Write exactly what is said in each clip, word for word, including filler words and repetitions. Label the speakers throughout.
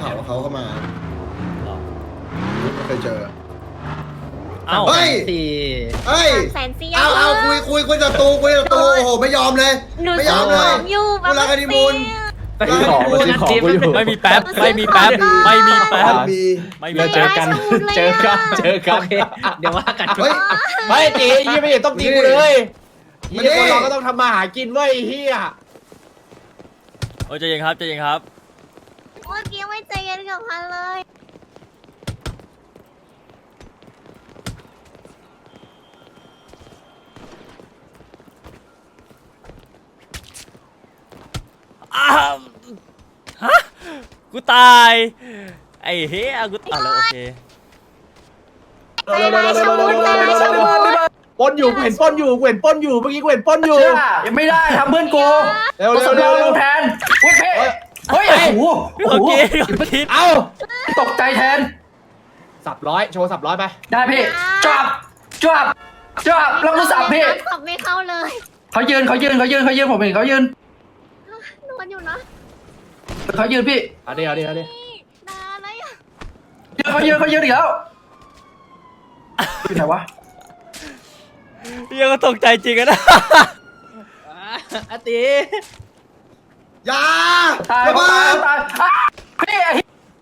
Speaker 1: ข่าวว่าเขาเข้ามาไม่เคยเจอ
Speaker 2: เอ้า
Speaker 1: เฮ้ย
Speaker 3: สี่
Speaker 1: เฮ้ย
Speaker 4: แสนสี่
Speaker 1: เอาเอาคุยคุยคุยศัตรูคุยศัตรูโอ้โหไม่ยอมเลย
Speaker 4: หนู
Speaker 1: ไม่ย
Speaker 4: ซื้
Speaker 1: อ
Speaker 4: อ
Speaker 1: ม
Speaker 4: ข
Speaker 1: เลย
Speaker 4: องอยู่
Speaker 1: กูรักกันดิมูล
Speaker 3: ไปซื้อของไปซื้อของกูอยู่
Speaker 2: ไม่มีแป๊บไม่มีแป๊บไม่มีแป๊บ
Speaker 1: มี
Speaker 2: ไม่มี
Speaker 3: เราเจอกันเจอกันเจอกัน
Speaker 5: โอเคเดี๋ยวว่ากัน
Speaker 1: เฮ้ย
Speaker 3: ไม่จียี่ไม่เห็นต้องตีกูเลย
Speaker 1: ไม่
Speaker 3: ยี่
Speaker 1: ได้
Speaker 3: คนเราก็ต้องทำมาหากินเว้ยเฮีย
Speaker 2: โอ้ใจเย็นครับใจเย็นครับ
Speaker 4: เมื่อกี้ไม่ใจเย็นกับพันเลย
Speaker 2: อ้าวฮะกูตายไอ้เฮ้ยกูตายแล้วโอเค
Speaker 4: ใจร้ายชะมุดใจร้ายชะมุด
Speaker 3: ปนอยู่กูเห็นปนอยู่กูเห็นปนอยู่เมื่อกี้กูเห็นปนอยู่
Speaker 5: ยังไม่ได้ทำเพื่อนกู
Speaker 3: เร็ว
Speaker 5: กู
Speaker 3: เร็ว
Speaker 5: สำ
Speaker 3: เร็
Speaker 5: ร
Speaker 3: ว
Speaker 5: อง
Speaker 3: เร็
Speaker 5: ล
Speaker 3: ว
Speaker 5: งแทนเฮ้ยเพ่เฮ้ยโอ้โหโอ้
Speaker 2: โอ
Speaker 5: โห
Speaker 2: เคโอเค
Speaker 3: เอ้า
Speaker 5: ตกใจแทน
Speaker 3: สับร้อยโชว์สับร้อยไป
Speaker 5: ได้พี่จับจับจับแล้วกูสับพี่
Speaker 4: สับไม่เข้าเลย
Speaker 5: เขายืนเขายืนเขายืนเขายืนผมเห็นเขายืน
Speaker 4: นอนอยู่นะ
Speaker 5: เขายืนพี่
Speaker 3: เอาดิเอาดิเอาดิ
Speaker 4: นานแล้วอ่ะ
Speaker 5: เขายืนเขายืนอีกแล้วอยู่ไหนวะ
Speaker 2: ยังก็ตกใจจริงอะนะ
Speaker 3: อาตี
Speaker 1: อย่า
Speaker 5: ตาย
Speaker 1: ระเบิ
Speaker 5: ตาย
Speaker 1: ด
Speaker 5: ตายอ่ะพี่ไอ้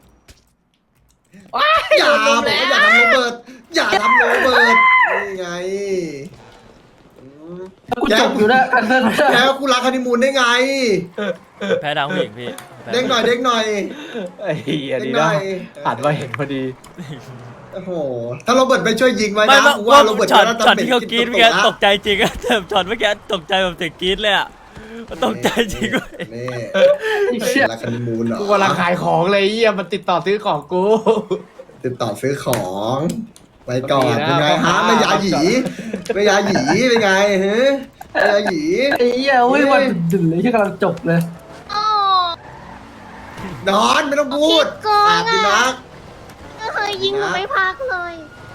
Speaker 1: อย่าบอกว่าอย่าทำโรเบิร์ตอย่าทำโรเบิร์ตนี่ไงอืม
Speaker 5: กูจบอยู่นะกันเซิร์ไม่ได้
Speaker 1: แล้วกูรักฮันนีมูนได้ไง
Speaker 2: แพ้ทางผู้หญิงพี่แพ้
Speaker 1: เด้งหน่อยเด้งหน่อย
Speaker 3: ไอ้เหี้ย
Speaker 1: เด้
Speaker 3: ดี
Speaker 1: งหน่
Speaker 3: นะ
Speaker 1: อย
Speaker 3: หันมาเห็นพอดี
Speaker 1: โอ้โหถ้าโรเบิร์ตไปช่วยยิงไว้
Speaker 2: ไม่
Speaker 1: นะ
Speaker 2: ว่า
Speaker 1: กูว่าโรเบิร์ต
Speaker 2: ช็อต
Speaker 1: จะ
Speaker 2: ช็อต
Speaker 1: ทำเป็น
Speaker 2: ที่เขากรี๊ด
Speaker 1: ตั
Speaker 2: เมื่อ
Speaker 1: ว
Speaker 2: กี้ตกใจจริงอะแต่ช็อตเมื่อกี้ตกใจแบบเสียงกรี๊ดเลยอะตกใจจริงเว้ย
Speaker 1: นี่รักฮันนีมูนเหรอ
Speaker 3: กูกำลังขายของเลยเหี้ยมันติดต่อซื้อของกู
Speaker 1: ติดต่อซื้อของไปก่อน
Speaker 3: ดีนะ
Speaker 1: เป็นไงฮะไม่ยาหยีไม่ยาหยีเป็นไงฮะไม่ยาหยี
Speaker 5: ไอ้เหี้ยเว้ยวันดึงเลยที่กำลังจบเลย
Speaker 4: โอ้
Speaker 1: นอนไม่ต้องพูด
Speaker 4: ขี้โกง
Speaker 1: อาบดี
Speaker 4: อะ
Speaker 1: นัก
Speaker 4: ก็เคยยิงหนูไม่พักเลย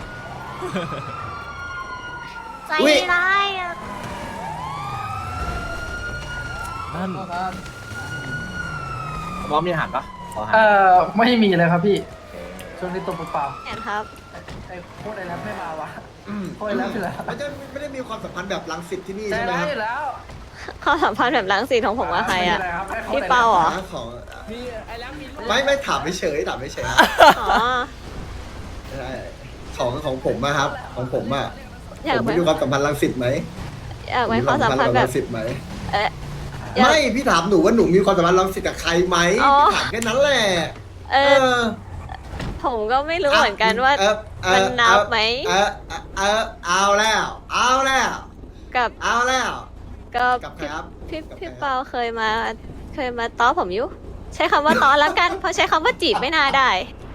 Speaker 4: ใจร้ายอ่ะ
Speaker 2: นั่น
Speaker 3: มอมมีอาหารปะขออาหาร
Speaker 5: เอ่อไม่มีเลยครับพี่ช่วงนี้ตัวเปล่า
Speaker 4: เห็นครับ
Speaker 5: ๆไอ้โคตรไอ้แรปไม่มาวะ
Speaker 1: อืม
Speaker 5: โอ้ยแล้วสิแล้ว
Speaker 1: ไม่ได้ไม่ได้มีความสัมพันธ์แบบรังสิตที่นี่
Speaker 5: ใจ
Speaker 1: ใช่ไหม
Speaker 5: ร้าย
Speaker 1: ครับ
Speaker 5: อยู่แล้ว
Speaker 4: ความสัมพันธ์แบบล้างสีของผมกับใครอ่ะ
Speaker 5: ไม่มีไรบไอ้โคต
Speaker 4: พี่
Speaker 5: ไอ้แรป
Speaker 4: เปาเหรอ
Speaker 1: หาของ
Speaker 5: พี่ไอ้แรปมีลูก
Speaker 1: ไม่ไม่ถามไม่เฉยถามไม่เฉย
Speaker 4: อ๋อ
Speaker 1: ใช่ของของผมอะครับ ของผมอะ
Speaker 4: อยาก
Speaker 1: ผม
Speaker 4: ไป
Speaker 1: มีความสัมพันธ์รังสิตไหม
Speaker 4: อยากไปความสัมพันธ์แบบ
Speaker 1: รังสิตไหม
Speaker 4: เอ๊ะอยาก
Speaker 1: ไม่พี่ถามหนูว่าหนูมีความสัมพันธ์รังสิตกับใครไหม
Speaker 4: อ๋อ
Speaker 1: พี่ถามแค่นั้นแหละ
Speaker 4: เออผมก็ไม่รู้เหมือนกันว่า
Speaker 1: เออเออ
Speaker 4: มันนับไหม
Speaker 1: เออเออเออเอาแล้ว เอาแล้ว
Speaker 4: กับ
Speaker 1: เอาแล้ว
Speaker 4: ก็
Speaker 1: กับใครครับ
Speaker 4: พี่
Speaker 1: กับใคร
Speaker 4: พี่
Speaker 1: ครับ
Speaker 4: เปาเคยมา เคยมาต้อผมอยู่ใช้คำว่าต้อแล้วกัน เพราะใช้คำว่าจีบไม่น่าได้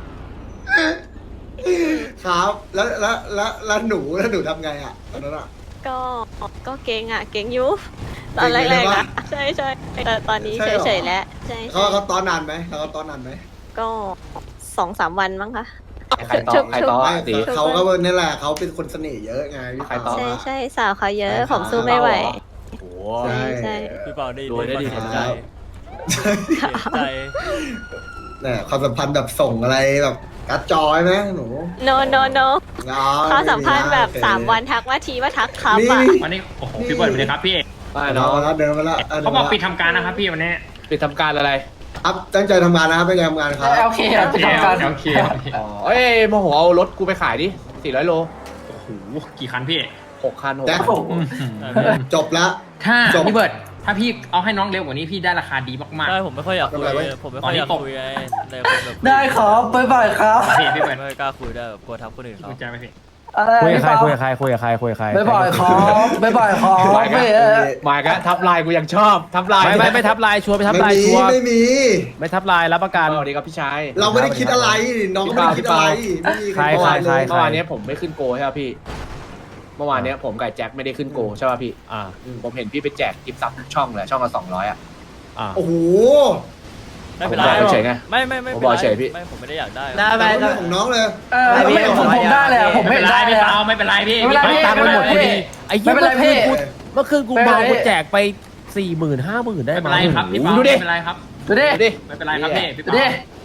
Speaker 1: ครับแล้วแล้วแล้วแล้วหนูแล้วหนูทำไงอ่ะตอนนั้นอ่ะ
Speaker 4: ก็ก็เก่งอ่ะ เก่งอยู่ตอน
Speaker 1: เก่
Speaker 4: แรง
Speaker 1: อยู่
Speaker 4: ๆ
Speaker 1: ใช่
Speaker 4: อ่ะ
Speaker 1: ปะ
Speaker 4: ใช่ใช่แต่ตอนนี้
Speaker 1: ใช่เหรอ
Speaker 4: เฉยๆแล้วใช่
Speaker 1: เขา
Speaker 4: ใช่
Speaker 1: เขาตอนนานไหมเขาตอนนานไหม
Speaker 4: ก็สองสามวันมั้งคะ
Speaker 3: ใครต่อใครต่อ
Speaker 1: ไม่
Speaker 3: อาตี
Speaker 1: เขาก็นี่แหละเขาเป็นคนเสน่ห์เยอะไงพี่
Speaker 3: ใครต่อ
Speaker 4: ใช่
Speaker 1: เปา
Speaker 4: ใช่สาวเขาเยอะ ผมสู้ไม่ไหว
Speaker 3: โอ้โห
Speaker 1: ใช่
Speaker 4: ใช่
Speaker 2: พี่เปาได้
Speaker 3: รวยได้ดี
Speaker 2: เสียใจเสียใจ
Speaker 1: เนี่ยความสัมพันธ์แบบส่งอะไรแบบกัดจอยไหมหนู
Speaker 4: no no no
Speaker 1: อ๋อ
Speaker 4: ความสัมพันธ์แบบ
Speaker 1: โอเค
Speaker 4: สามวันทักว่าทีว่าทักครับ
Speaker 1: นี่
Speaker 4: อ่ะ
Speaker 6: วันนี้โอ้โหพี่เบิร์ดสวัสดีครับพี่
Speaker 3: ไม่
Speaker 1: เดิน
Speaker 3: เนาะ
Speaker 1: มาแล้วเดินมาแล้ว
Speaker 6: เขาบอกปิดทำการนะครับพี่วันนี้
Speaker 3: ไปทำการอะไร
Speaker 1: ครับตั้งใจทำงานนะครับเป็นไงทำงานครับ
Speaker 5: โอเคครับไปทำการ
Speaker 6: โอเคโอเค
Speaker 3: อ๋อเอ้ยโมโหเอารถกูไปขายดิสี่ร้อยโล
Speaker 6: โอ้โหกี่คันพี่
Speaker 3: หกคันหก
Speaker 1: แจ็ค
Speaker 3: คัน
Speaker 5: ผม
Speaker 1: จบละ
Speaker 6: ถ้า
Speaker 1: จบ
Speaker 6: พี่เบิร์ดถ้าพี่เอาให้น้องเร็วกว่านี้พี่ได้ราคาดีมาก
Speaker 2: ใช่ผมไม่ค่อยอยากคุย
Speaker 1: ทำไมวะ
Speaker 2: ผมไม่ค่อยอยากคุยไงเลยคนแบบ
Speaker 5: ได้ครับบ๊ายบายครับ
Speaker 6: ๆพี่พี่เบิร์ด
Speaker 2: ไม่กล้าคุยได้แบบกลัวทักคนอื่นเขา
Speaker 6: คุยใจไหมพี่
Speaker 5: อะไร
Speaker 7: คุยกับใคร
Speaker 5: พี่
Speaker 7: คุย
Speaker 5: เปา
Speaker 7: กับใครคุยกับใครคุยกับใคร
Speaker 5: บ๊ายบายครับบ๊ายบายครับ
Speaker 3: มาอีก
Speaker 5: ไม่
Speaker 3: แล้ว
Speaker 5: เออ
Speaker 3: มาอีกแล้วทับลายกูยังชอบทับลาย
Speaker 7: ไม่ไม่ไม่ทับลายชัวร์ไม่ทับ
Speaker 1: ไม่
Speaker 7: ลาย
Speaker 1: มี
Speaker 7: ชัวร์
Speaker 1: ไม่มี
Speaker 7: ไม่ทับลายรับประกัน
Speaker 3: สวัสดีครับพี่ชาย
Speaker 1: เราไม่ได้คิดอะไรน้องก็ไม่ได้คิดอะไรไม่มี
Speaker 7: ใคร
Speaker 1: ใคร
Speaker 7: ใคร
Speaker 1: เลย
Speaker 3: เมื่อวานเนี้ยผมไม่ขึ้นโกใช่ป่ะพี่ เมื่อวานเนี้ยผมกับแจ็คไม่ได้ขึ้นโกใช่ป่ะพี่
Speaker 7: อ่า
Speaker 3: ผมเห็นพี่ไปแจกกิฟต์ซับทุกช่องเลยช่องละสองร้อยอ่ะ
Speaker 7: อ่า
Speaker 1: โอ้โห
Speaker 2: ไม่เป็นไร
Speaker 3: ผมบอกเฉยๆไง
Speaker 2: ไม่ไม่ไม่
Speaker 3: ผม
Speaker 2: เป็น
Speaker 3: บอก
Speaker 2: ไร
Speaker 3: เฉยพี่
Speaker 2: ไม่ผมไม่ได้อยากได้
Speaker 5: ได้ไหม
Speaker 1: แต่ว่าเรื่องของน้องเลย
Speaker 5: เออไม่ผมผมได้เลยอะผม
Speaker 6: ไม่
Speaker 5: ไม่
Speaker 6: เป็นไร
Speaker 5: ได้เล
Speaker 6: พี่
Speaker 5: ยอะ
Speaker 6: เปาไม่เป็นไรพี่
Speaker 5: ไม่เป็นไร
Speaker 6: พี่
Speaker 7: ตังค์ไปหมดพอดีไอ้เหี้ย
Speaker 5: ไม่เป็นไร
Speaker 7: เมื่อคืนกู
Speaker 5: พี่
Speaker 7: เมื่อคืนกูเมา
Speaker 5: ไม่เป็นไร
Speaker 7: กูแจกไปสี่หมื่นห้าหมื่นได้
Speaker 6: ไม่
Speaker 7: ไหม
Speaker 6: เป็นไรครับพี่เปา
Speaker 3: ดูดิ
Speaker 6: ไม่เป็นไรครับ
Speaker 5: ดูดิ
Speaker 3: ดูดิ
Speaker 6: ไม่เป็นไรครับพี่พี่
Speaker 5: ดู
Speaker 6: เปา
Speaker 5: ดิ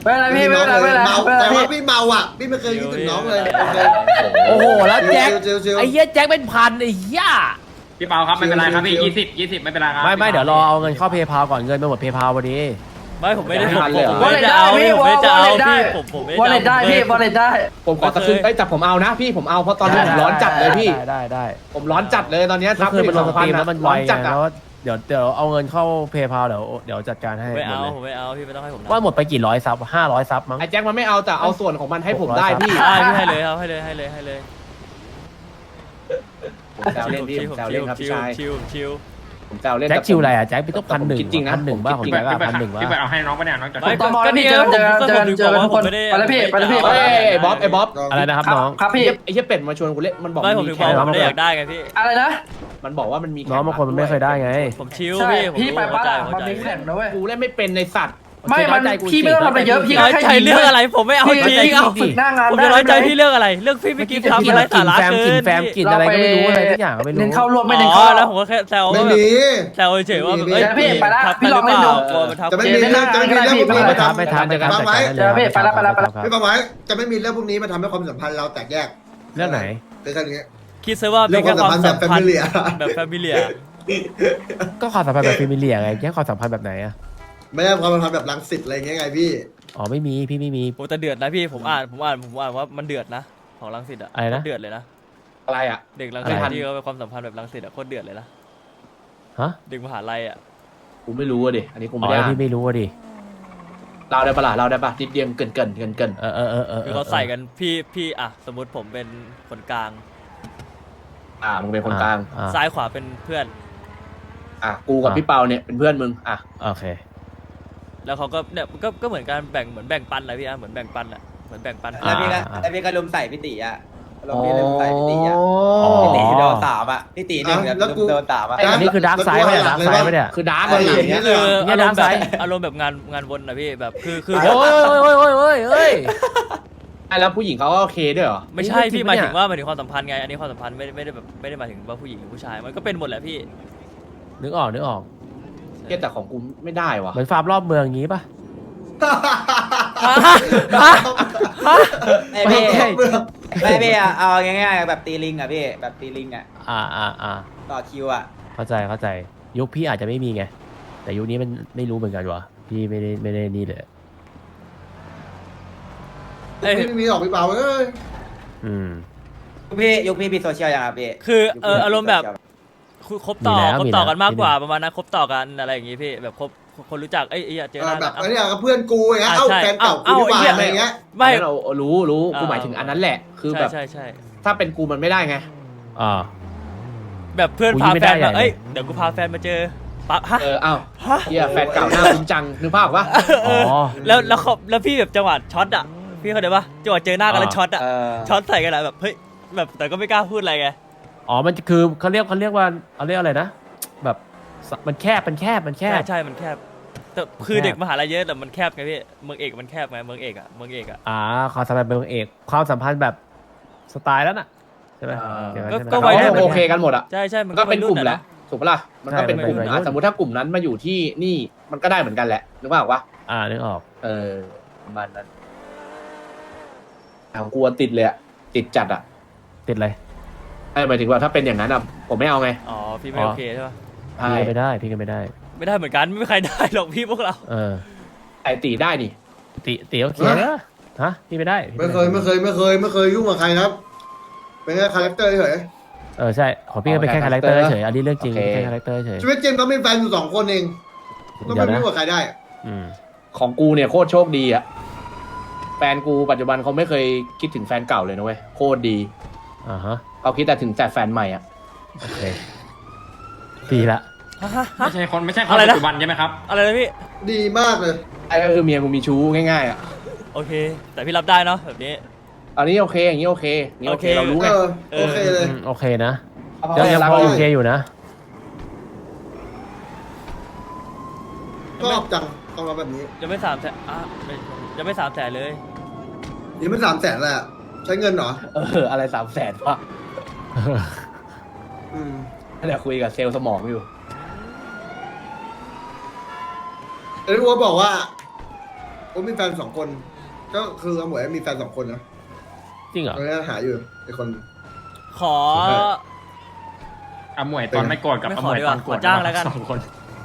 Speaker 5: ไม่เป็นไรพี่ไม่เป็นไรไม่เป็นไร
Speaker 1: เมา
Speaker 5: ไม่เป็นไร
Speaker 1: แต่ว่า
Speaker 5: พี่
Speaker 1: พี่เมาอ่ะพี่ไม่เคยคิดถึงน้องเลยโอเค
Speaker 7: โอ้โหแล้วแจ็ค
Speaker 1: ชิวๆชิวๆ
Speaker 7: ไอ้เหี้ยแจ็คเป็นพันไอ้เหี้ย
Speaker 6: พี่เปาครับไม่เป็นไรครับพี่ยี่สิบยี่สิบไม่เป็นไรครับ
Speaker 7: ไม่ไม่เดี๋ยวรอเอาเงินเข้าเพย์พาก่อนเงินไปหมดเพย์พาพอดี
Speaker 2: ไม่ผมไม่ได้ผม
Speaker 3: เลยเหรอ
Speaker 2: ผมไม่ได้จะเอาพี่ผมไม่ได้จะเอาพี่ผมผมไม่
Speaker 5: วอลเล็ตได้
Speaker 2: จะอา
Speaker 5: พี่วอลเล็ตได้
Speaker 3: ผมขอตะคืนไอ้ยแต่ผมเอานะพี่ผมเอาเพราะตอนนี้ผมร้อนจัดเลยพี่
Speaker 7: ได้ได้ได้
Speaker 3: ผมร้อนจัดเลยตอนเนี้ย
Speaker 7: ก็คือมันลงสตรีมแล้วมันไว
Speaker 3: ร้อน
Speaker 7: ไง
Speaker 3: จัดอะ
Speaker 7: แล้วเดี๋ยวเดี๋ยวเอาเงินเข้าเพย์พาเดี๋ยวเดี๋ยวจัดการให้
Speaker 2: ไม่เอา
Speaker 7: หมด
Speaker 2: ผม
Speaker 7: เลย
Speaker 2: ไม่เอาพี่ไม่ต้องให้ผมนะ
Speaker 7: ว่าหมดไปกี่ร้อยซับห้าร้อยซับมั้ง
Speaker 3: ไอ้แจ็คมันไม่เอาแต่เอาส่วนของมันให้ผมได้พี่
Speaker 2: ได้พี่ให้เลยครับให้เลยให้เลยให้เลย
Speaker 3: ผมแซวเล่นพี่ผมแซวเล่นครับพี่ชาย
Speaker 2: ชิวชิว
Speaker 3: ผมแซวเล่น
Speaker 7: แจ็คชิวอะไรอ่ะแจ็คพี่ต้องพันหนึ่ง
Speaker 3: จริงๆนะ
Speaker 7: พันหนึ่งบ้างของ
Speaker 3: จริง
Speaker 7: แจ็ค
Speaker 3: ๆ
Speaker 7: อะ
Speaker 6: พี่ไป
Speaker 7: พันหนึ่งบ้า
Speaker 6: พี่ไปเอาให้น้องปะเนี่ยน้องจะ
Speaker 2: ไม่
Speaker 5: ตม
Speaker 2: ก็นี่
Speaker 5: เจอกันเจอกันเจอกันเจอกันทุกคน
Speaker 2: ผมไม่ได้
Speaker 5: ไปแล้วพี่ไปแล้วพี่
Speaker 3: เฮ้ยไอ้บ๊อบไอ้บ๊อบ
Speaker 7: อะไรนะครับน้อง
Speaker 5: ครับพี่
Speaker 3: ไอ้เหี้ยเป็ดมาชวนกูเล่นมันบอก
Speaker 2: ไม่ผม
Speaker 3: มี
Speaker 2: ถึง
Speaker 3: แค่
Speaker 2: บอก
Speaker 7: ค
Speaker 2: ผ
Speaker 7: รับ
Speaker 2: มไม่ได้อยากได้ไงพี่
Speaker 5: อะไรนะ
Speaker 3: มันบอกว่ามันมีแค่
Speaker 7: น้องบางคนมันไม่เคยได้ไง
Speaker 2: ผมชิว
Speaker 5: ใช่
Speaker 2: พี่ผม
Speaker 5: พี่ไป
Speaker 2: เข้า
Speaker 5: ป้า
Speaker 2: ใจ
Speaker 5: ล่ะ
Speaker 2: เข้า
Speaker 5: มัน
Speaker 2: ใจ
Speaker 5: มีแข่งนะเว้ย
Speaker 3: กูเล่นไม่เป็นในสัตว์
Speaker 5: ไม่มันพี่ไม่ต้องทำอะไรเยอะพี่
Speaker 2: น้อยใจเรื่องอะไรผมไม่เอา
Speaker 5: พี่
Speaker 2: จริง
Speaker 5: พี่
Speaker 2: เอา
Speaker 5: ฝึกหน้างาน
Speaker 2: ผม
Speaker 5: ได้
Speaker 2: จะน้อยใจ
Speaker 5: ไหม
Speaker 2: พี่เรื่องอะไร เรื่องพี่ไม่กินทำอะไรสาระ
Speaker 7: แฟม
Speaker 2: เกิ
Speaker 7: กิน
Speaker 2: น
Speaker 7: แฟมกินอะไรก็ไม่รู้อะไรทุกอย่างก็ไม่รู้
Speaker 5: เน้นเข้าร่วมไม่เน้น
Speaker 2: อ๋อ
Speaker 5: เข้า
Speaker 2: แล้วผมก็แค่แซว
Speaker 1: ไม่
Speaker 2: ว่า
Speaker 1: มี
Speaker 2: แซวเฉยๆว่า
Speaker 1: ไม่มี
Speaker 2: เอ้ย
Speaker 5: พี่ไปละ
Speaker 2: ทัก
Speaker 5: พี่ลอง
Speaker 2: หรือ
Speaker 5: เล่นดู
Speaker 2: เปล่ากลัวมันทัก
Speaker 1: จะไม่มีเรื่องจะไม่มีเรื่องพวกนี้
Speaker 7: ไม่
Speaker 1: มา
Speaker 7: ทับ
Speaker 1: ทำ
Speaker 7: ไม่ทับในการจัดการได้เลย
Speaker 5: เจอพี่ไปละไปละไปละ
Speaker 1: พี่ฟังไว้จะไม่มีเรื่องพวกนี้มาทำให้ความสัมพันธ์เราแตกแยก
Speaker 7: เรื่องไหน
Speaker 1: เป็นแค่นี้
Speaker 2: คิดซะว่าเป็นแค่ความสัมพันธ์แบบแฟมิเลีย
Speaker 7: ก็ความสัมพันธ์แบบฟิมิเลียไงแค่ความสัมพันธ์แบบไหนอะ
Speaker 1: ไม่ใช่ความสัมพันธ์แบบรังสิตอะไรอย่างเงี้ยไงพี่
Speaker 7: อ๋อไม่มีพี่ไม่มี
Speaker 2: โอ้แต่เดือดนะพี่ผมอ่านผมอ่านผมอ่านว่ามันเดือดนะของรังสิตอ่ะ
Speaker 7: อะไรนะ
Speaker 2: เดือดเลยนะ
Speaker 3: อะไรอ่ะ
Speaker 2: เด็กรังสิต
Speaker 7: อะไร
Speaker 2: ที่เขาเป็นความสัมพันธ์แบบรังสิตอ่ะโคตรเดือดเลยนะ
Speaker 7: ฮะ
Speaker 2: เด็กมหาลัยอ่ะ
Speaker 3: กูไม่รู้อ่ะดิอันนี้กู
Speaker 7: อ๋
Speaker 3: ไม่
Speaker 7: อ
Speaker 3: ได้
Speaker 7: พี่ไม่รู้อะดิ
Speaker 3: เราได้ปะล่ะเราได้ปะนิดเดียวเกินเกินเกินเกิน
Speaker 7: เออเออเออเออ
Speaker 2: คือเขาใส่กันพี่พี่อ่ะสมมติผมเป็นคนกลาง
Speaker 3: อ่ามึงเป็นคนกลาง
Speaker 7: อ่า
Speaker 2: ซ้ายขวาเป็นเพื่อน
Speaker 3: อ่ะกูกับพี่เปาเนี่ยเป็นเพื่อนมึงอ่ะ
Speaker 7: โอเค
Speaker 2: แล้วเขาก็เนี่ยก็ก็เหมือนการแบ่งเหมือนแบ่งปันนะพี่อ่ะเหมือนแบ่งปันอ่ะเหมือนแบ่งปัน
Speaker 7: อ่า
Speaker 8: แล้วพี่ก็แล้วพี่ก็ลุมใส่พี่ตีอ่ะลงพี่ลุมใส่พี่ตีอ่ะ
Speaker 7: อ๋อ
Speaker 8: พี่ตีโดนสามอ่ะพี่ตีหนึ่ง
Speaker 1: อ่ะ
Speaker 8: แบ
Speaker 1: แล้ว
Speaker 8: บ
Speaker 1: กู
Speaker 8: ลุมโดนสามอ่ะ
Speaker 7: อันนี้คือดาร์กไซด์ไหมเนี่ยดาร์กไซด์ไหมเนี่ย
Speaker 3: คือดาร์ก
Speaker 1: อะไร
Speaker 3: เลย
Speaker 1: อย่าง
Speaker 3: เงี้
Speaker 1: เงี้
Speaker 3: ย
Speaker 1: ย
Speaker 2: คือ
Speaker 7: เนี่
Speaker 2: อาย รมณ์แบ
Speaker 7: ด้านซ้า
Speaker 2: บ
Speaker 7: ย
Speaker 2: อารมณ์แบบงานงานวนนะพี่แบบคือคือ
Speaker 7: โอ้ยโอ้ยโอ้ยโอ้ยโอ้ยโอ้ย
Speaker 3: แล้วผู้หญิงเขาก็โอเคด้วยเหรอ
Speaker 2: ไม่ใช่พี่ห
Speaker 7: ไม่
Speaker 2: มาย
Speaker 7: จริ
Speaker 2: ถึ
Speaker 7: ง
Speaker 2: ง
Speaker 7: ปะเนี่ย
Speaker 2: ว่าหมายถึงความสัมพันธ์ไงอันนี้ความสัมพันธ์ไม่ได้ไม่ได้แบบไม่ได้หมายถึงว่าผู้หญิงหรือผู้ชายมันก็เป็นหมดแหละพี่
Speaker 7: นึกออกนึกออก
Speaker 3: เหี้ยแต่ของกูไม่ได้ว่ะ
Speaker 7: เหมือนฟาร์มรอบเมืองอย่างงี้ป่ะ
Speaker 8: ไอ้
Speaker 7: ไม่
Speaker 8: พี่
Speaker 7: ใช่
Speaker 8: ไม่พี่อ่ะเอาง่ายๆแบบตีลิงอ่ะพี่แบบตีลิงอ่ะ
Speaker 7: อ่าอ่าอ่า
Speaker 8: ต่อคิวอ่ะ
Speaker 7: เข้าใจเข้าใจยุคพี่อาจจะไม่มีไง แต่ยุคนี้มันไม่รู้เหมือนกันวะพี่ไม่ได้ไม่ได้นี่เลย
Speaker 2: เอ้ย
Speaker 1: พี่ไม่มีออกพี่เปล่าเอ้ย
Speaker 7: อืม
Speaker 8: ยุคพี่ยุคพี่มีโซเชียลยังครับพี่
Speaker 2: คือ
Speaker 8: ยุค
Speaker 2: เอ
Speaker 8: พี่
Speaker 2: ออารมณ์แบบ
Speaker 8: โซเชียล
Speaker 2: คุยคบต่อ
Speaker 7: มีแล้ว
Speaker 2: คบ
Speaker 7: มี
Speaker 2: ต่อ
Speaker 7: แล้ว
Speaker 2: กันมากกว่า
Speaker 7: มีแล้ว
Speaker 2: ประมาณนั้นคบต่อกันอะไรอย่างงี้พี่แบบคบคนรู้จักเอ้ยเอ้ยเจอหน้า
Speaker 1: แบบ
Speaker 2: กัน
Speaker 1: อันเนี้ยกับเพื่อนกูอย่างเงี้ยเอ้า
Speaker 2: ใช่
Speaker 1: แฟนเก่า
Speaker 2: เอ้า
Speaker 1: กูดีกว่า
Speaker 2: เอ้า
Speaker 1: อะไรอย่างเงี้ย
Speaker 2: ไม่
Speaker 3: อันนั้นเรารู้รู้
Speaker 2: อ่า
Speaker 3: กูหมายถึงอันนั้นแหละ คือแบบ
Speaker 2: ใช่ใช่ใช่
Speaker 3: ถ้าเป็นกูมันไม่ได้ไง
Speaker 7: อ่า
Speaker 2: แบบเพื่อน
Speaker 7: อุ๊ย
Speaker 2: พา
Speaker 7: ไม่
Speaker 2: แฟ
Speaker 7: ได้
Speaker 2: น
Speaker 7: ใหญ่
Speaker 2: มา
Speaker 7: เลย
Speaker 2: เอ้ยเดี๋ยวกูพาแฟนมาเจอปะฮะ
Speaker 3: เออเอ้า
Speaker 2: ฮะ
Speaker 3: เฮียแฟนเก่าหน้าคุ้มจังนึกภาพปะ
Speaker 2: เออ
Speaker 7: อ๋อ
Speaker 2: แล้วแล้วเขาแล้วพี่แบบจังหวะช็อตอ่ะพี่เข้าใจปะจังหวะเจอหน้ากันแล้ว
Speaker 7: อ่า
Speaker 2: ช็อตอ่ะ
Speaker 8: เออ
Speaker 2: ช็อตใส่กันอะแบบเฮ้ยแบบแต่ก็ไม่กล้าพูดอะไรไง
Speaker 7: อ๋อมันคือเขาเรียกเขาเรียกว่าเขาเรียกอะไรนะ แบบมันแคบมันแคบมันแค
Speaker 2: ใช่
Speaker 7: บ
Speaker 2: ใช่มันแคบแต่คือ
Speaker 7: แคบ
Speaker 2: เด็กมหาลัยเยอะแต่มันแคบไงพี่เมืองเอกมันแคบไงเมืองเอกอ่ะเมืองเอกอ่ะ
Speaker 7: อ่าความสัมพันธ์เป็นเอกความสัมพันธ์แบบสไตล์แล้วน่ะใช่ไหม
Speaker 3: อ่า
Speaker 7: เดี๋ยวนั้น
Speaker 2: ก็
Speaker 7: ใช่ไหม
Speaker 2: ก็
Speaker 3: เขา
Speaker 2: วัยรุ่น
Speaker 3: โอเคกันหมดอ่ะ
Speaker 2: ใช่ใช่
Speaker 3: มันก็เป็นกลุ่ม
Speaker 2: วัย
Speaker 3: แหละถูกปะล่ะมันก็เป็นกลุ่ม
Speaker 7: ใช่เป็นวัยรุ่
Speaker 3: อ่ะ
Speaker 7: น
Speaker 3: สมมติถ้ากลุ่มนั้นมาอยู่ที่นี่มันก็ได้เหมือนกันแหละนึกภาพปะ
Speaker 7: อ่านึกออก
Speaker 3: เออประมาณนั้นของกูอะติดเลยอะติดจัดอะ
Speaker 7: ติดเลย
Speaker 3: ไอ้หมายถึงว่าถ้าเป็นอย่างนั้นอะผมไม่เอาไง
Speaker 2: อ๋อพี่ไม่โอเคใช่ปะ
Speaker 3: ใช่
Speaker 7: พี่ก็ไม่ได้พี่ก็ไม่ได้
Speaker 2: ไม่ได้เหมือนกันไม่มีใครได้หรอกพี่พวกเรา
Speaker 7: เออ
Speaker 3: ไอตีได้นี่
Speaker 7: ติติโอเคนะฮะพี่ไม่ได้พี่
Speaker 1: ไม่เคยไม่เคยไม่เคยไม่เคยยุ่งกับใครครับ เป็นแค่คาแรคเตอร์เฉย
Speaker 7: เออใช่ของพี่ก็เป็นแค่คาแรคเตอร์เฉยอันนี้เรื่องจริงเป็นแค่คาแรคเตอร์เฉย
Speaker 1: ชีวิตจริงก็มีแฟนอยู่สองคนเองก็ไม่ยุ่งกับใครได้
Speaker 7: อืม
Speaker 3: ของกูเนี่ยโคตรโชคดีอะแฟนกูปัจจุบันเขาไม่เคยคิดถึงแฟนเก่าเลยนะเว้ยโคตรดี
Speaker 7: อ่าฮะ
Speaker 3: เขาคิดแต่ถึงแต่แฟนใหม่อะ
Speaker 7: โอเคดีละ
Speaker 6: ไม่ใช่คนไม่ใช่ค
Speaker 2: อะ
Speaker 6: น
Speaker 2: ไร
Speaker 6: ปั
Speaker 2: นะ
Speaker 6: จจุบันใช่ไหมครับ
Speaker 2: อะไรนะพี่
Speaker 1: ดีมากเลย
Speaker 3: ไอ้ก็คือเมียกูมีชู้ง่ายๆอะ
Speaker 2: โอเค แต่พี่รับได้เนาะแบบนี้
Speaker 3: อันนี้โอเคอย่างนี้โอเคอย่างนี้โอเค
Speaker 2: โอเค
Speaker 3: เรารู้
Speaker 1: เอ
Speaker 3: ไง
Speaker 1: อโอเคเลย
Speaker 7: อืมโอเคนะ
Speaker 3: เขา
Speaker 7: ยังยัง
Speaker 3: รัก
Speaker 7: พอ
Speaker 3: เรา
Speaker 7: โอเคอยู่นะ
Speaker 1: ชอบจังต้องมาแบบนี้
Speaker 2: ยังไม่สามแสนอ่ะไม่ยังไม่สามแสนเลย
Speaker 1: นี่มันสามแสนแหละใช้เงินเหรอ
Speaker 3: เอออะไรสามแสนวะ
Speaker 1: อืม
Speaker 3: เดี๋ยวคุยกับเซลล์สมองอยู่
Speaker 1: เอ็นวัวบอกว่าผมมีแฟนสองคน ก็คืออาหมวยมีแฟนสองคนนะ
Speaker 7: จริงเหรอ
Speaker 1: ตอนนี้หาอยู่ไอ้คน
Speaker 2: ขอ
Speaker 6: อ่ะหมวยตอนไม่โกรธกับ
Speaker 2: ไม่
Speaker 6: อ่ะ
Speaker 2: ข
Speaker 6: ห
Speaker 2: อ
Speaker 6: มวย
Speaker 2: ดีก
Speaker 6: ตอ
Speaker 2: ว่าน
Speaker 6: โกรธ
Speaker 2: ขอจ้างแล้วกัน
Speaker 6: สองคน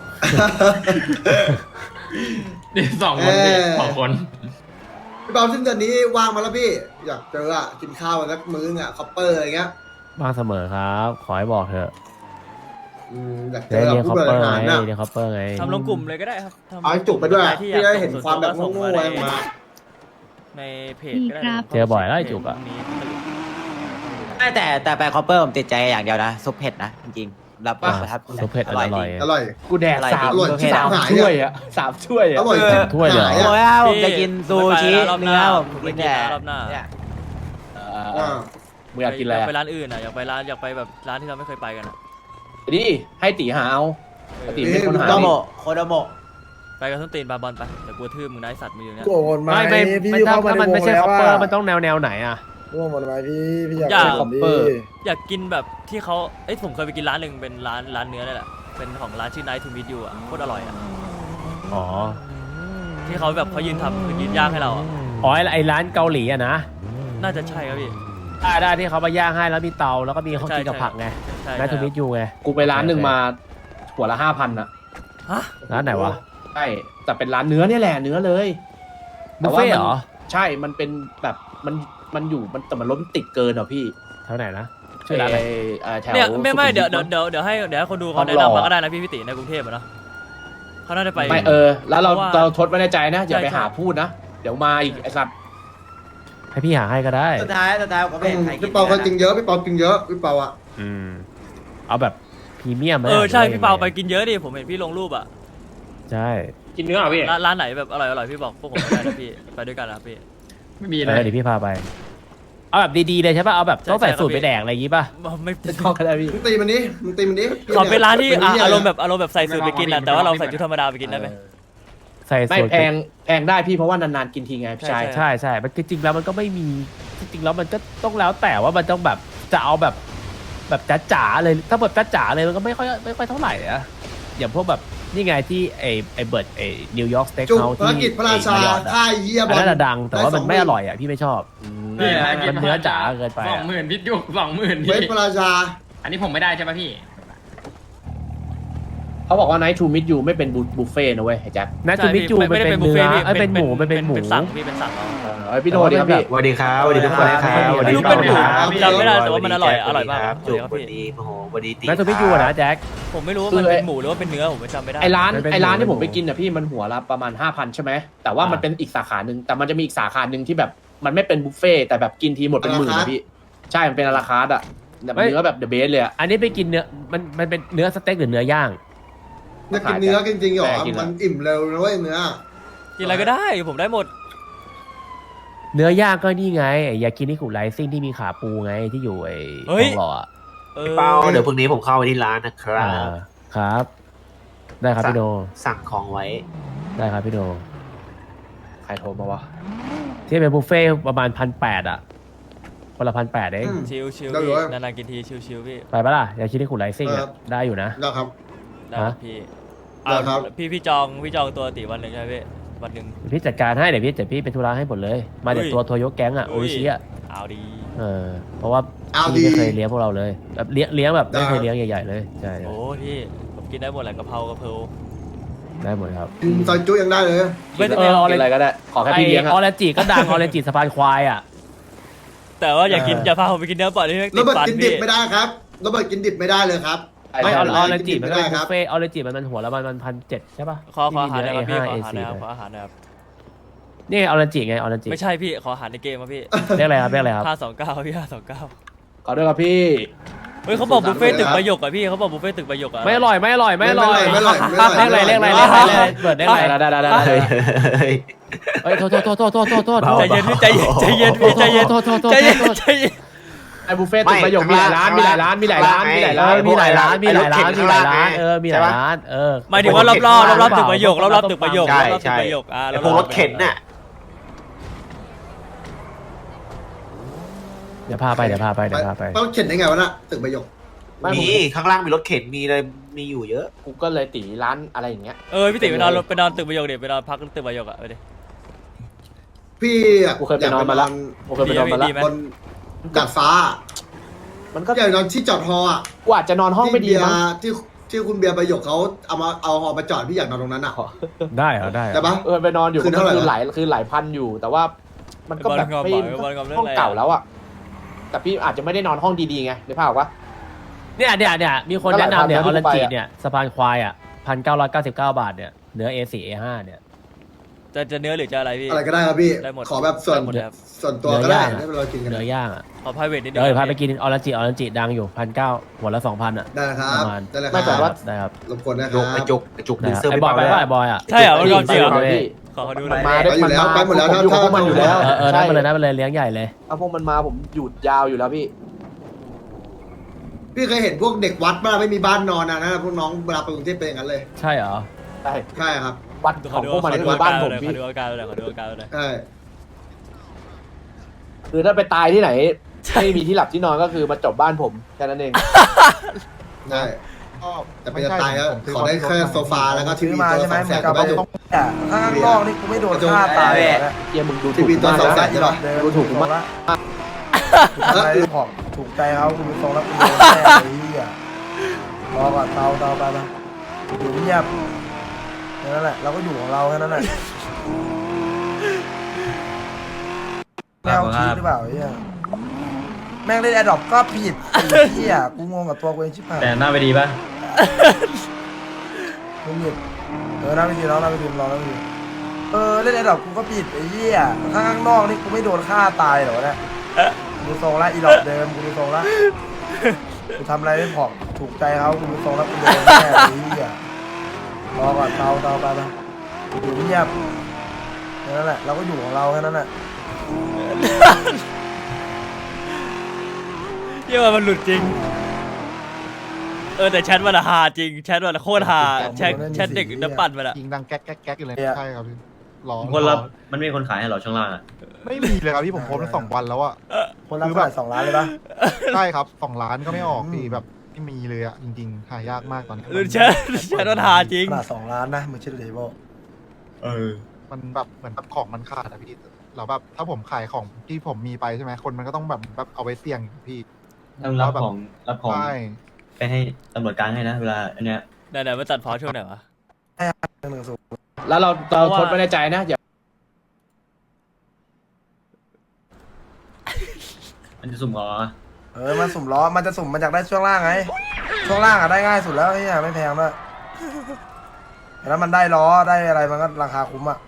Speaker 6: นี่สองคนพี่สองคน
Speaker 1: พี่เปาสิ้นเดือนนี้ว่างมาแล้วพี่ อยากเจออ่ะกินข้าวสักมื้ออ่ะคอปเปอร์อะไรเงี้ย
Speaker 7: บ้างเสมอครับ ขอให้บอกเถอะ
Speaker 1: อืมอยากเจ
Speaker 7: เดี๋ยว
Speaker 1: อ
Speaker 7: เรียก
Speaker 1: ผู้
Speaker 7: คอป
Speaker 1: บ
Speaker 7: เปอ
Speaker 1: ริ
Speaker 7: ร์
Speaker 1: หาร
Speaker 7: ไง
Speaker 1: น่ะ
Speaker 7: เรียกคอปเปอร์ไง
Speaker 2: ทำลงกลุ่มเลยก็ได้ครับทำ
Speaker 1: เอาให้จุกไปด้วย
Speaker 2: ที่
Speaker 1: พี่
Speaker 2: อยาก
Speaker 1: ได้เห็นความแบบ
Speaker 2: ส่
Speaker 1: โง่
Speaker 2: ง
Speaker 1: ๆอะไร
Speaker 2: ส่ง
Speaker 1: มา
Speaker 2: ในเพจก็ได้
Speaker 9: ดีครับ
Speaker 7: เจอบ่อยแล้วไอ้จุกอะ
Speaker 2: พรุ่งนี้
Speaker 8: ไม่แต่แต่ไปคอปเปอร์ผมติดใจอย่างเดียวนะซุปเผ็ดนะจริงๆรับ
Speaker 7: อ่ะ
Speaker 8: ประทับ
Speaker 7: ซุปเผ็ดอร่อย
Speaker 8: จง
Speaker 1: อร่อย
Speaker 3: กูแดกสาม
Speaker 1: อร่อยที่
Speaker 3: สาม
Speaker 1: หายอะ
Speaker 3: ถ้วยอ่ะสามถ้วย
Speaker 1: อ
Speaker 3: อ่ะ
Speaker 1: ร่อย
Speaker 7: ถ้วยเลยเหรอ
Speaker 1: หา
Speaker 8: โอ้
Speaker 1: อะ
Speaker 8: ยอ่ะผมจะกินซูชิ
Speaker 2: รอบห
Speaker 8: เนื้
Speaker 2: น้า
Speaker 8: อผม
Speaker 2: ผมไป
Speaker 8: กิน
Speaker 2: กิน
Speaker 8: แต่
Speaker 2: รอบหน้า
Speaker 8: เนี่ย
Speaker 3: เอ
Speaker 1: อ่า
Speaker 3: อมึงอยากกินอะไร
Speaker 2: อยากไป
Speaker 3: อะ
Speaker 2: ร้านอื่นอ่ะอยากไปร้านอยากไปแบบร้านที่เราไม่เคยไปกันอะ
Speaker 3: ดิให้ตีหาเอา
Speaker 2: เอ
Speaker 3: ป
Speaker 2: อก
Speaker 3: ติเป็นคนหา
Speaker 8: โคโด
Speaker 3: ดิ
Speaker 8: โมะโคโดโมะ
Speaker 2: ไปกันส้นตีนบาบอลไปแต่กลัวทื่อมึงนะไอ้สัตว์มึงอยู่เนี่ย
Speaker 10: โกรธไหม
Speaker 7: ไม่ไม่
Speaker 10: พี่
Speaker 7: ไม่
Speaker 10: ยู
Speaker 7: ถ้า
Speaker 10: เข้ามา
Speaker 7: ถ้ามัน
Speaker 10: ในว
Speaker 7: ไม่
Speaker 10: ง
Speaker 7: ใช่
Speaker 10: แล้ว
Speaker 7: คอปเปอร์
Speaker 10: อะ
Speaker 7: มันต้องแนวแนวไหนอ่ะ
Speaker 10: ร่วงหมดไหมพี่พี่อยาก
Speaker 2: อยาก
Speaker 10: เป็นคอปเปอร์
Speaker 2: อยากกินแบบที่เขาเอ้ยผมเคยไปกินร้านหนึ่งเป็นร้านร้านเนื้อนี่แหละเป็นของร้านชื่อ Night to Meet You อ่ะโคตรอร่อยอ่ะ
Speaker 7: อ๋อ
Speaker 2: ที่เขาแบบเขายืนทำคือยืนย่างให้เราอ่ะ
Speaker 7: อ๋อไอ้ไอ้ร้านเกาหลีอะนะ
Speaker 2: น่าจะใช่ครับพี่
Speaker 7: ได้ได้ที่เขามาย่างให้แล้วมีเตาแล้วก็มีเขากินกับผักไง
Speaker 2: ใช่
Speaker 7: นายทูมิตยูไง
Speaker 3: กูไปร้านหนึ่งมาหัวละห้าพันอ่ะ
Speaker 2: ฮะ
Speaker 7: ร้านไหนวะ
Speaker 3: ใช่แต่เป็นร้านเนื้อเนี่ยแหละเนื้อเลย
Speaker 7: บุฟเฟ่ต์เหรอ
Speaker 3: ใช่มันเป็นแบบมันมันอยู่มันแต่มันล้มนติดเกินอ่ะพี่
Speaker 7: แถวไหนนะชื่อร้านอะไร
Speaker 3: เอ่อแถว
Speaker 2: เนี่ยไม่ไม่
Speaker 3: สุขุ
Speaker 2: เดี๋ยว
Speaker 3: วิ
Speaker 2: เดี๋ยว
Speaker 3: ท
Speaker 2: เดี๋ยวเดี๋ยวให้เดี๋ยวให้คนดู
Speaker 3: ท
Speaker 2: เขา
Speaker 3: อง
Speaker 2: แนะ
Speaker 3: หล่อ
Speaker 2: นำมาก็ได้นะพี่พิติในกรุงเทพอะเนาะเขาน่าจะไป
Speaker 3: ไม่เออ แล้วเรา
Speaker 2: เพราะว่า
Speaker 3: เราทดไว้ในใจนะอย่า
Speaker 2: ใช่
Speaker 3: ไป
Speaker 2: ใช่
Speaker 3: หาพูดนะ เดี๋ยวมาอีกไอ้สัตว์
Speaker 7: ให้พี่หาให้ก็ได้
Speaker 8: สุดท้ายสุดท้ายผมก็ไม่เห็นใครกิน
Speaker 1: พี่เปาก็กินเยอะพี่เปากินเยอะพี่เปาอ่ะ
Speaker 7: อืมเอาแบบพรีเมียมไหม
Speaker 2: เออใช่
Speaker 7: หรือว่
Speaker 2: พี่เปาไป
Speaker 7: ยังง
Speaker 2: กินเยอะดิผมเห็นพี่ลงรูปอ่ะ
Speaker 7: ใช่
Speaker 6: กินเนื้อเหรอพี่
Speaker 2: ร้านร้านไหนแบบอร่อยอร่อยพี่บอกพวกผมไม่ได้นะพี่ไปด้วยกันนะพี่
Speaker 6: ไม่มี
Speaker 7: เอ
Speaker 6: เลย
Speaker 7: อเดี๋ยวพี่พาไป เอาแบบดีๆเลยใช่ป่ะเอาแบบ
Speaker 2: ใช่
Speaker 7: ต้องใส่
Speaker 2: ใช่ครับ
Speaker 7: สูตรไป
Speaker 2: พี่
Speaker 7: แดกอะไรอย่างงี้ป่ะ
Speaker 2: ไม่
Speaker 3: ไม่ต้องก็ได้พี่
Speaker 1: มึงตีมันนี้มึงตีมันนี้
Speaker 2: ขอเป็นร้านที่อ่ะ
Speaker 1: เป็
Speaker 2: อารมณ์
Speaker 1: เหี้ย
Speaker 2: แบบอารมณ์แบบใส่สูตรไปกินอ่ะแต่ว่าเราใส่ชุดธรรมดาไปกินได้ไหม
Speaker 7: ใส่
Speaker 3: ไม่
Speaker 7: สูตร
Speaker 3: แพงแพงได้พี่เพราะว่านานๆกินทีไงพี่ชาย
Speaker 2: ใช่
Speaker 7: ใช่ใช่มันจริงๆแล้วมันก็ไม่มีจริงๆแล้วมันก็ต้องแล้วแต่ว่ามันต้องแบบจะเอาแบบแบบจ๋าๆเลยถ้าแบบจ๋าๆเลยมันก็ไม่ค่อยไม่ค่อยเท่าไหร่อะอย่างพวกแบบนี่ไงที่ไอไอเบิร์ดไอนิวยอร์กสเต็ก
Speaker 1: จุก
Speaker 7: เฮาส์
Speaker 1: ภาร
Speaker 7: ที่
Speaker 1: กิจพระราชา
Speaker 7: ไอ้มายอทอะ
Speaker 1: ค่ายเยี่ยบ
Speaker 7: อัน
Speaker 1: อล
Speaker 7: นั้นอะดังแต่ว่ามันไม่
Speaker 1: ด้
Speaker 7: อ
Speaker 1: สง
Speaker 7: ร่อยอ่ะพี่ไม่ชอบ
Speaker 6: พี่
Speaker 7: มันเนื้อจ๋าเกินไป
Speaker 6: สอ
Speaker 7: อะ
Speaker 6: งหมื่นพิษยุกสองหมื่น
Speaker 1: เว
Speaker 6: พี่
Speaker 1: ทพระราชา
Speaker 6: อันนี้ผมไม่ได้ใช่ปะพี่
Speaker 3: เขาบอกว่า night to meet you ไม่เป็นบุฟเฟ่ต์นะเว้ยไอ้แจ็ค
Speaker 7: นัททูมิจูมันเป็น
Speaker 2: บุฟ
Speaker 7: เนื้อ
Speaker 2: พี่
Speaker 7: เอ้ยเป็นหมูมันเป็นหมู
Speaker 2: เป็นสั่งพี่เป็นสั่งเอา
Speaker 3: เออไอยพี่โทษดีครับพี่
Speaker 10: สวัสดีครับสวัสดีทุกคนนะครับ
Speaker 7: สวัสดี
Speaker 2: ลูก
Speaker 7: ครับ
Speaker 2: เป็นหมู
Speaker 10: ครับ
Speaker 2: จำไม่ได้แต่ว่ามันอร่อยอร่อยมาก
Speaker 10: ครับ
Speaker 2: ส
Speaker 10: จุ
Speaker 2: วั
Speaker 10: ก
Speaker 2: ส
Speaker 10: ส
Speaker 2: ดีครับพี่
Speaker 10: วัสดีโอ้โหสวัสดีตี
Speaker 7: นัททูมิจูนะแจ็ค
Speaker 2: ผมไม่รู้ว่ามันเป็นหมูหรือว่าเป็นเนื้อผมไม่จำไม่ได้
Speaker 3: ไอร้าน
Speaker 7: มันเป็น
Speaker 3: ไอร้าน
Speaker 7: หมู
Speaker 3: ที่ผม
Speaker 7: เป็นหมู
Speaker 3: ไปกินอ่ะพี่มันหัวละประมาณห้าพันใช่ไหมแต่ว่า
Speaker 7: อ่ามั
Speaker 3: มันเป็นอีกสาขาหนึ่งแต่มันจะมีอีกสาขาหนึ่งที่แบบมันไม่เป็นบุฟเฟ่ต์แต่แบบกินทีหมดเป็นหมื่นอะพี่ใช่มันเป็นอาราคาร์ดอ่ะแบบเนื้อแบบเดอะเบสเลยอ่ะ
Speaker 7: อันนี้ไปกินเนื้อมันมันเป็นเนื้อสเต็กหรือเนื้อย่าง
Speaker 1: จะกินเนื้อจริงๆเหรอ
Speaker 3: แต่กินแล้ว
Speaker 1: มันอิ่มเร็วนะเว้ยเนื้อ
Speaker 2: กินอะไรก็ได้ผมได้หมด
Speaker 7: เนื้อย่างก็นี่ไงไอ้ยากินิคุไรซิ่งที่มีขาปูไงที่อยู่ไอ้
Speaker 2: เฮ้ย
Speaker 7: ทองหล่ออะ
Speaker 2: เออ
Speaker 10: เป้าเดี๋ยวพรุ่งนี้ผมเข้าไปที่ร้านนะครั
Speaker 7: อ่า
Speaker 10: บ
Speaker 7: ครับ ได้ครับพี่โน
Speaker 10: สั่งของไว้
Speaker 7: ได้ครับพี่โน
Speaker 3: ใครโทรมาวะ
Speaker 7: ที่เป็นบุฟเฟ่ต์ประมาณพันแปดอ่ะคนละพันแปดเอง
Speaker 1: อืม
Speaker 2: ชิลชิล
Speaker 1: ได้
Speaker 2: พี่
Speaker 1: เลย
Speaker 2: นานๆกินทีชิลชิลพี่
Speaker 7: ไปปะล่ะยากินิคุไรซิ่ง
Speaker 1: ครั
Speaker 7: อ่ะ
Speaker 1: บ
Speaker 7: ได้อยู่นะ
Speaker 1: แล้วครับ
Speaker 2: ได้
Speaker 7: ฮะ
Speaker 2: พี่
Speaker 1: ได้ครับ
Speaker 2: เอาพี่พี่จองพี่จองตัวตีวันหนึ่งใช่ไหมพี่วันหนึ่ง
Speaker 7: เดี๋ยวพี่จัดการให้เดี๋ยวพี่เดี๋ยวพี่เป็นธุระให้หมดเลย มาจาก
Speaker 2: อุ้ย
Speaker 7: ตัวโทโยแก๊งอ่ะ
Speaker 2: อุ้
Speaker 7: โอย ชิอ่ะ
Speaker 2: เอาดี
Speaker 7: เออเพราะว่า
Speaker 1: เอา
Speaker 7: พี่
Speaker 1: ดี
Speaker 7: ไม่เคยเลี้ยงพวกเราเลยแบบเลี้ยงเลี้ยงแบบ
Speaker 1: ได้
Speaker 7: ไม่เคยเลี้ยงใหญ่ๆเลยใช่
Speaker 2: โอ้พี่ผมกินได้หมดแหละกะเพรากะเพรา
Speaker 7: ได้หมดครับ
Speaker 1: กินซอยจุยังได้เลย
Speaker 2: ไม่ได้
Speaker 7: เออ
Speaker 3: กินอะไรก็ได้ ขอแค่พี่เลี้ยง
Speaker 7: อ
Speaker 3: อะ
Speaker 7: อเรนจิก็ดังออเรนจิสะพานควายอ่ะ
Speaker 2: แต่ว่าอย่ากินอย่าพาผมไปกินเนื้อปล่อยที่ไม่
Speaker 1: โร
Speaker 2: ติด
Speaker 1: เบิร์ต
Speaker 2: ฟัน
Speaker 1: กินดิ
Speaker 2: พี่
Speaker 1: บไม่ได้ครับโรเบิร์ตกินดิบไม่ได้เลยครับ
Speaker 7: ไม่ออ
Speaker 1: ได้
Speaker 7: อเรนจิ
Speaker 1: กินดิ
Speaker 7: มัน
Speaker 1: บ
Speaker 7: ก็
Speaker 1: ไม่
Speaker 7: เป็น
Speaker 1: ได้
Speaker 7: บุ
Speaker 1: ครับ
Speaker 7: ฟเฟ่ต์ออเรนจิมันมันหัวละมันมันพันเจ็ดใช่ป่ะ
Speaker 2: ขอขออาหารหน่อยครับพี่
Speaker 7: ที่
Speaker 2: ขอ
Speaker 7: มี
Speaker 2: อาหารห
Speaker 7: เนื้
Speaker 2: น่อย
Speaker 7: อ
Speaker 2: ครับ
Speaker 7: A
Speaker 2: ขออาหารหน่อยครับ
Speaker 7: นี่ออเรนจิไงออเรนจิ
Speaker 2: ไม่ใช่พี่ขออาหารในเกมครับพี่
Speaker 7: เรียกอะไรครับเรียกอะไรครับ
Speaker 2: ห้าสองเก้าพี่ห้าสองเก้า
Speaker 3: ขอด้วยครับพี่
Speaker 2: เฮ้ยเขาบอกบุฟเฟ่ต์ตึกประโยคอะพี่เขาบอกบุฟเฟ่ต์ตึกประโยคอะ
Speaker 7: ไม่อร่อยไม่อร่อยไม่อร่อย
Speaker 1: ไม่อร่อยไม่อร่อย
Speaker 7: เรียกอะไร
Speaker 1: ไม่
Speaker 7: เรียก
Speaker 1: อ
Speaker 7: อะไร
Speaker 1: ร่อย
Speaker 7: เรียกอะไรเปิดเรียกอะไร
Speaker 3: ได้ได้ได้ได้
Speaker 10: เฮ้ย
Speaker 7: เฮ้ยโทษโทษโทษโทษโทษโทษโทษ
Speaker 2: ใจเย็นพี่ใจเย็นใจเย็นพี่ใจเย็น
Speaker 7: โทษโทษโทษ
Speaker 2: ใจเย็น
Speaker 7: โทษ
Speaker 2: ใจเย็น
Speaker 3: ไอ้บุฟเฟ่ต์ตึกประโยคมีหลายร้านมีหลายร้านมีหลายร้านมีหลาย
Speaker 7: เอ
Speaker 3: ร้าน
Speaker 7: อมีหลายร้านมีหลายร้านมีหลายร้านเออมีหลายร้านเออ
Speaker 2: หมายถึงว่ารอบรอบรอบรอบตึกประโยครอบรอบตึกประโยค
Speaker 10: ใช่
Speaker 2: รอบตึก
Speaker 10: ใช่
Speaker 2: ประโยคอ่า
Speaker 10: ไอ้พวกรถเข็นน่ะ
Speaker 7: เดี๋ยวพาไปเดี๋ยวพาไปเดี๋ยวพาไป
Speaker 1: ต้องเข็นได้ไงวะน่ะตึกประโยค
Speaker 10: มีข้างล่างมีรถเข็นมีเลยมีอยู่เยอะ
Speaker 3: กูก็เลยตีร้านอะไรอย่างเงี้ย
Speaker 2: เออพี่ติ๋ไปนอนไปนอนตึกประโยคเดี๋ยวไปนอนพักตึกประโยคอะไปดิ
Speaker 1: พี่อะ
Speaker 3: กูเคยไปนอนมาแล้ว กูเคยไปนอนมาแล้ว
Speaker 2: ดีไหม
Speaker 1: บนดาดฟ้า
Speaker 3: มันก็
Speaker 1: อยากนอนที่จอดฮออ่ะ
Speaker 3: กูอาจจะนอนห้องไม่ดี
Speaker 1: ที่เบีย
Speaker 3: มั้ง
Speaker 1: ร์ที่ที่คุณเบียร์ประโยคเขาเอามาเอาฮอมาจอดพี่อยากนอนตรงนั้นอ่ะ
Speaker 7: ได้เหรอได้เหรอ
Speaker 1: ได้ปะ
Speaker 3: เออไปนอนอยู่
Speaker 1: คืนเท่าไหร่
Speaker 3: คือ
Speaker 1: วะ
Speaker 3: หลายคือหลายพันอยู่ แต่ว่ามันก็แบบไม่
Speaker 2: บอลงอมบอลงอมเรื่อง
Speaker 3: ห้อง
Speaker 2: อะไรอะ
Speaker 3: เก่าแล้วอ่ะแต่พี่อาจจะไม่ได้นอนห้องดีๆไงนึกภาพออกปะ
Speaker 7: เนี่ยเนี่ยเนี่ยมีคนแนะนำเนี่ย
Speaker 3: ก็
Speaker 7: อ
Speaker 3: ห
Speaker 7: อ
Speaker 3: ลายพันนะ
Speaker 7: รันจิ
Speaker 3: ที่กูไปอะ
Speaker 7: เนี่ยสะพานควายอ่ะพันเก้าร้อยเก้าสิบเก้าบาทเนี่ยเนื้อ เอ โฟร์ เอ ห้า เนี่ย
Speaker 2: จะจะเนื้อหรือจะอะไรพี่
Speaker 1: อะไรก็ได้ครับพี่
Speaker 2: ได้หมด
Speaker 1: ขอแบบส่วน
Speaker 2: ได้หมดเลยครับ
Speaker 1: ส่วนตัวก็ได้
Speaker 7: เนื้อย่างอะ
Speaker 1: ให้เรากินกัน
Speaker 7: เนื้อย่างอ่ะ
Speaker 2: ขอ private นิดนึ
Speaker 7: เดี๋
Speaker 2: ง
Speaker 7: ยวพา
Speaker 2: ครับ
Speaker 7: ไปกินออรันจิออรันจิดังอยู่พันเก้าหัวละสองพันอ่ะ
Speaker 1: ได้นะครั
Speaker 7: ป
Speaker 1: บ
Speaker 7: ระมาณ
Speaker 1: ได้เลยค
Speaker 3: ไม่แต่
Speaker 1: รับ
Speaker 3: ว่า
Speaker 7: ได้ครับ
Speaker 1: รบกวนนะค
Speaker 10: จุ
Speaker 1: รั
Speaker 10: กไอ้
Speaker 1: บ
Speaker 10: จุกไอ้จุกดึงเสื้อ
Speaker 7: ไอ้
Speaker 10: ไป
Speaker 7: บอยไป
Speaker 10: เปล่า
Speaker 7: ว่าไอ้บอยอ่ะ
Speaker 2: ใช่เหรอมันก่อนจริงเหรอ
Speaker 3: ไปเลย
Speaker 2: ขอเขาดูหน่อย
Speaker 3: มา
Speaker 1: ไปอยู่แล้วไปหมดแล้ว
Speaker 3: ผมอยู่กับพวกมันอยู่แล้ว
Speaker 7: เออเออนั่นไปเลยนั่นไปเลยเลี้ยงใหญ่เลย
Speaker 3: ถ้าพวกมันมาผมหยุดยาวอยู่แล้วพี่
Speaker 1: พี่เคยเห็นพวกเด็กวัดบ้างไม่มีบ้านนอนนะนะพวกน้องเวลาไปกรุงเทพเป็นอย่างนั้นเลย
Speaker 7: ใช่เหรอ
Speaker 3: ใช่
Speaker 1: ใช่ครับ
Speaker 3: วัดของพวกมันคือบ้านผม
Speaker 2: ขอ
Speaker 3: พี่
Speaker 2: ดูอาการหน่อยขอดูอาการหน่อย
Speaker 1: ใช่
Speaker 3: คือถ้าไปตายที่ไหนไม่มีที่หลับที่นอนก็คือมาจบบ้านผมแค่นั้นเอง
Speaker 1: ใช่แต่เป็นจะตายก็ขอได้แค่โซฟาแล้วก็ที
Speaker 5: ซื้อ
Speaker 1: วี
Speaker 5: มา
Speaker 1: ตัว
Speaker 5: ใช่ไหม
Speaker 1: สองแส
Speaker 5: เหมือน นกับ
Speaker 1: ก็
Speaker 5: ว่า
Speaker 1: ได้
Speaker 5: ต้องอ่ะถ้าข้างนอกนี่กูไม่โดนฆ่าตายเลยนะ
Speaker 3: เยี่ยมึงดู
Speaker 1: ที
Speaker 3: ถูก
Speaker 1: วี
Speaker 3: กู
Speaker 1: ตัว
Speaker 3: มาก
Speaker 1: สองแส
Speaker 3: นะ
Speaker 1: นใช่ปะ
Speaker 3: ดูถูกกูมาก
Speaker 5: ทำไมของถูกใจเขาคุณดูทรงแล้วคุณโดนแน่ไอ้เหี้ยรอก่อนเตาเตาไปไปอยู่เงียบแค่นั้นแหละเราก็อยู่ของเราแค่นั้นแหละแมวคิดหรือเปล่าไอ้เหี้ยแม่งเล่นแอดดอปก็ผิดไอ้เหี้ยกูงงกับตัวกูเองชิบหาย
Speaker 6: แต่หน้าไปดีป่ะ
Speaker 5: มึงหยิบเออน่าไปดีน้องน่าไปดีรอน่าไปดีเออเล่นแอดดอปกูก็ผิดไอ้เหี้ยถ้าข้างนอกนี่กูไม่โดนฆ่าตายเหรอเนี่ยดูทรงละอีหลอดเดิมกูดูทรงละกูทำอะไรไม่พอถูกใจเขากูดูทรงละกูโดนแน่ไอ้เหี้ยรอก่อนเตาเตาไปไปอยู่เงียบแค่นั้นแหละเราก็อยู่ของเราแค่นั้นแหละ
Speaker 2: เยี่ยมมันหลุดจริง เออแต่แชทมันอะฮาจริงแชทมันอะโคตรฮาแชทแชทเด็กน้ำปั่นมันอะ
Speaker 9: ยิงดังแก๊กแก๊กแก๊กอยู่เลย
Speaker 5: เนี่ย
Speaker 9: ใช่ครับพี่รอ
Speaker 6: คนรับมันไม่มีคนขายให้เราช่องล่างอ่ะ
Speaker 9: ไม่มีเลยครับพี่ผมโพสต์มาสองวันแล้วอะ
Speaker 5: คนรับเท่าไหร่สองล้านเลยปะ
Speaker 9: ใช่ครับสองล้านก็ไม่ออกพี่แบบไม่มีเลยอะจริงๆหายากมากตอนนี้
Speaker 2: หรือแชทแชทมันฮาจริง
Speaker 5: ขนาดสองล้านนะมึงเชื่อดูดิโบ
Speaker 9: เออมันแบบเหมือนแบบของมันขาดอะพี่เราแบบถ้าผมขายของที่ผมมีไปใช่ไหมคนมันก็ต้องแบบแบบเอาไว้เสี่ยงพี่
Speaker 6: ต้องรับของรับของ
Speaker 9: ใช่
Speaker 6: ไปให้ตำรวจกลางให้นะเวลาอันเนี้ย
Speaker 2: ไหนๆมาตัดพอช่วงไหนวะ
Speaker 5: หนึ่งศูนย์
Speaker 3: แล้วเราเรา
Speaker 2: เพราะว่า
Speaker 3: ทดไว้ในใจนะอย่า
Speaker 6: มันจะสุ่มขอ
Speaker 5: เออมันสุ่มล้อมันจะสุ่มมาจากได้ช่วงล่างไงช่วงล่างอะได้ง่ายสุดแล้วไอ้เหี้ยไม่แพงด้วยแล้วมันได้ล้อได้อะไรมันก็ราคาคุ้มอะ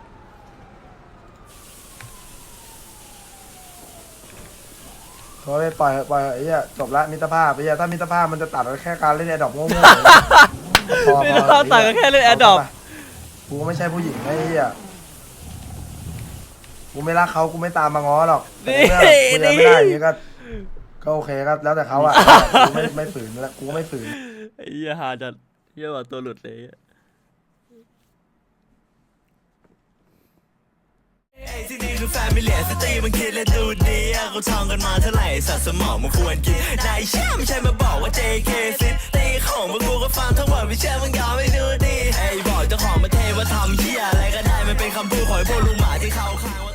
Speaker 5: โอ้ยปล่อยปล่อยไอ้เหี้ยจบละมิตรภาพไอ้เหี้ยถ้ามิตรภาพมันจะตัดแค่การเล่นแอดดอปโง่ๆพอ
Speaker 2: ไม่ต้องตัดก็แค่เล่น Adopt
Speaker 5: กูไม่ใช่ผู้หญิงไอ้เหี้ยกูไม่รักเขากูไม่ตามมาง้อหรอกแต่เมื่อคุยกันไม่ได้อย่างงี้ก็ก็โอเคก็แล้วแต่เขาอะกูไม่ไม่ฝืนแล้วกูก็ไม่ฝืน
Speaker 2: ไอ้เหี้ยฮาจัดเหี้ยว่าตัวหลุดเลย
Speaker 11: ที่นี่คือแฟมิเลียสตรีมันคิดและดูดีอะเขาท่องกันมาเท่าไหร่สัตว์สมองมันควรกินนายเชื่อไม่ใช่มาบอกว่า เจ เค ซิตีของพวกกูก็ฟังทั้งหมดไม่เชื่อมึงยอมไม่ดูดีไอ้บอกเจ้าของประเทศว่าทำเหี้ยอะไรก็ได้มันเป็นคำพูดของไอ้พวกลุงหมาที่เขาข้างว่า